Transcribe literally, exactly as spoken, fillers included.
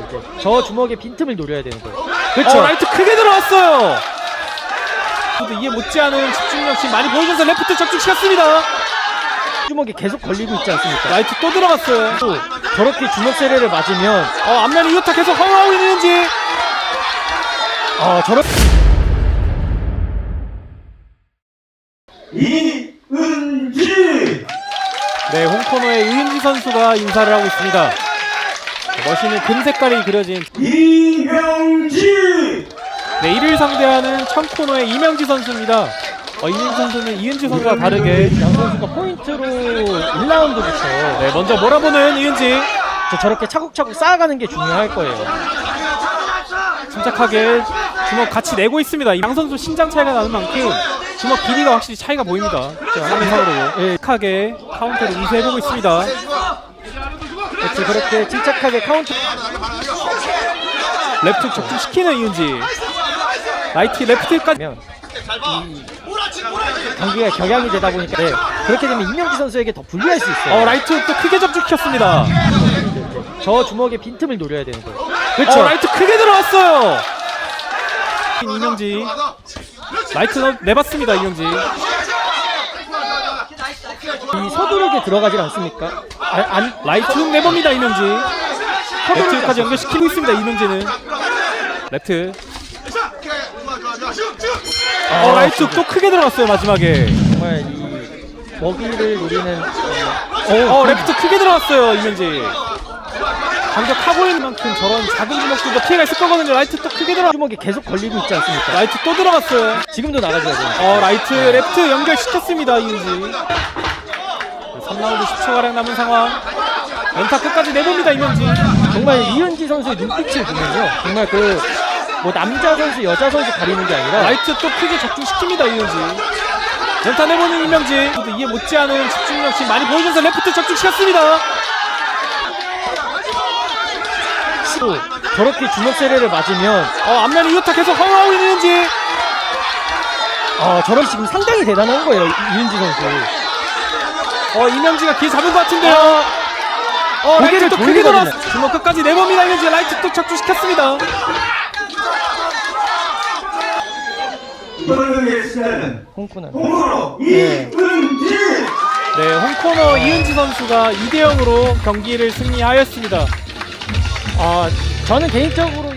저 주먹의 빈틈을 노려야 되는 거예요. 그렇죠. 어, 라이트 크게 들어왔어요. 저도 이해 못지않은 집중력 지금 많이 보여줘서 레프트 적중시켰습니다. 주먹이 계속 걸리고 있지 않습니까? 라이트 또 들어갔어요. 또 저렇게 주먹 세례를 맞으면 어, 앞면에 이호타 계속 허용하고 있는지. 어 저런 이은지. 네, 홍코너의 이은지 선수가 인사를 하고 있습니다. 멋있는 금 색깔이 그려진 이명지. 네, 이를 상대하는 청코너의 이명지 선수입니다. 어, 이명지 선수는 이은지 선수와 다르게 양 선수가 포인트로 일 라운드부터 네, 먼저 몰아보는 이은지. 저 저렇게 차곡차곡 쌓아가는 게 중요할 거예요. 침착하게 주먹 같이 내고 있습니다. 양 선수 신장 차이가 나는 만큼 주먹 길이가 확실히 차이가 보입니다. 화면상으로 예. 침착하게 카운터를 인쇄해보고 있습니다. 그렇지, 그렇게 침착하게 카운트. 레프트 적중시키는 이은지. 라이트 레프트까지. 면 경기가 격양이 되다 보니까 네, 그렇게 되면 이명지 선수에게 더 불리할 수 있어요. 어, 라이트 또 크게 접촉시켰습니다. 저 주먹의 빈틈을 노려야 되는 거예요. 그렇죠. 어, 라이트 크게 들어왔어요. 이명지. 라이트 넣- 내봤습니다. 이명지. 이 서두르게 들어가질 않습니까? 아, 안 라이트 훅 내봅니다. 이명지. 레프트까지 연결시키고 있습니다. 이명지는. 레프트. 어, 라이트 훅 또 크게 들어갔어요. 마지막에. 정말 이 먹이를 노리는 어, 레프트 크게 들어갔어요. 이명지. 강력하고 있는 만큼 저런 작은 주먹들도 피해가 있을 거거든요. 라이트 또 크게 들어. 주먹이 계속 걸리고 있지 않습니까? 라이트 또 들어갔어요. 지금도 나가줘야 돼요. 어, 라이트 레프트 연결시켰습니다. 이은지. 삼 라운드 십 초가량 남은 상황. 연타 끝까지 내봅니다. 이명지. 정말 이은지 선수의 눈빛을 보면요, 정말 그 뭐 남자 선수, 여자 선수 가리는 게 아니라 라이트 또 크게 적중시킵니다. 이은지. 연타 내보는 이명지. 저도 이해 못지않은 집중력 지금 많이 보여줘서 레프트 적중시켰습니다. 또 저렇게 주먹 세례를 맞으면 어, 앞면에 이호타 계속 허용하고 있는지. 어 저런 지금 상당히 대단한 거예요, 이은지 선수. 어, 이명지가 기 잡은 것 같은데요. 어, 라이트 고개를 또 크게 돌리거든요. 돌아. 주먹 끝까지 내봅니다. 이명지. 라이트 또 적중시켰습니다. 모르겠어요. 홍코는 홍으로 네. 이은지. 네, 홍코너 이은지 선수가 이 대 영으로 경기를 승리하였습니다. 아 저는 개인적으로